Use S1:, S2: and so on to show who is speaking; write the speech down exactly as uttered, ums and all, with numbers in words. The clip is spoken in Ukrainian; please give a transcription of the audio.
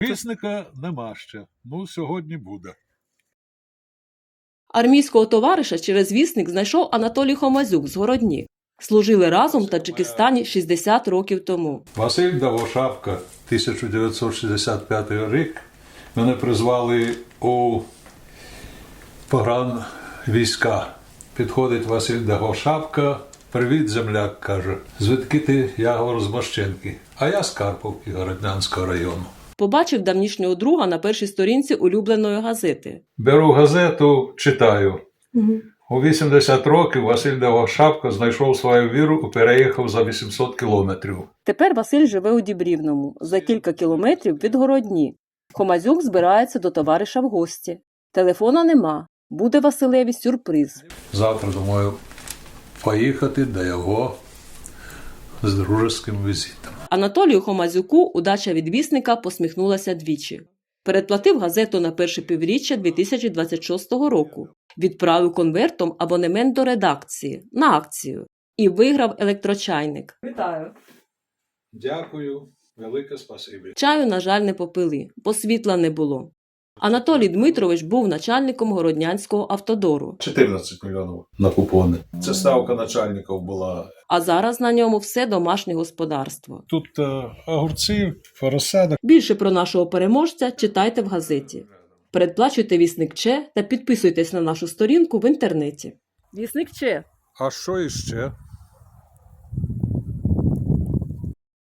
S1: Вісника нема ще. Ну, сьогодні буде.
S2: Армійського товариша через вісник знайшов Анатолій Хомазюк з Городні. Служили разом в Таджикистані шістдесят років тому.
S1: Василь Давошапка, тисяча дев'ятсот шістдесят п'ятий рік. Мене призвали у погранвійська. Підходить Василь Давошапка. Привіт, земляк, каже. Звідки ти? Я говорю, з Мощенки. А я з Карповки, Городнянського району.
S2: Побачив давнішнього друга на першій сторінці улюбленої газети.
S1: Беру газету, читаю. Угу. У вісімдесят років Василь Давошапка знайшов свою віру і переїхав за вісімсот кілометрів.
S2: Тепер Василь живе у Дібрівному, за кілька кілометрів від Городні. Хомазюк збирається до товариша в гості. Телефона нема. Буде Василеві сюрприз.
S1: Завтра, думаю, поїхати до його з дружеським візитом.
S2: Анатолію Хомазюку удача від вісника посміхнулася двічі. Передплатив газету на перше півріччя дві тисячі двадцять шостого року. Відправив конвертом абонемент до редакції на акцію і виграв електрочайник. Вітаю!
S1: Дякую, велике спасибі.
S2: Чаю, на жаль, не попили, бо світла не було. Анатолій Дмитрович був начальником Городнянського автодору.
S1: чотирнадцять мільйонів на купони. Це ставка начальників була.
S2: А зараз на ньому все домашнє господарство.
S1: Тут е, огурці, розсада.
S2: Більше про нашого переможця читайте в газеті. Передплачуйте Вісник Че та підписуйтесь на нашу сторінку в інтернеті. Вісник Че.
S1: А що іще?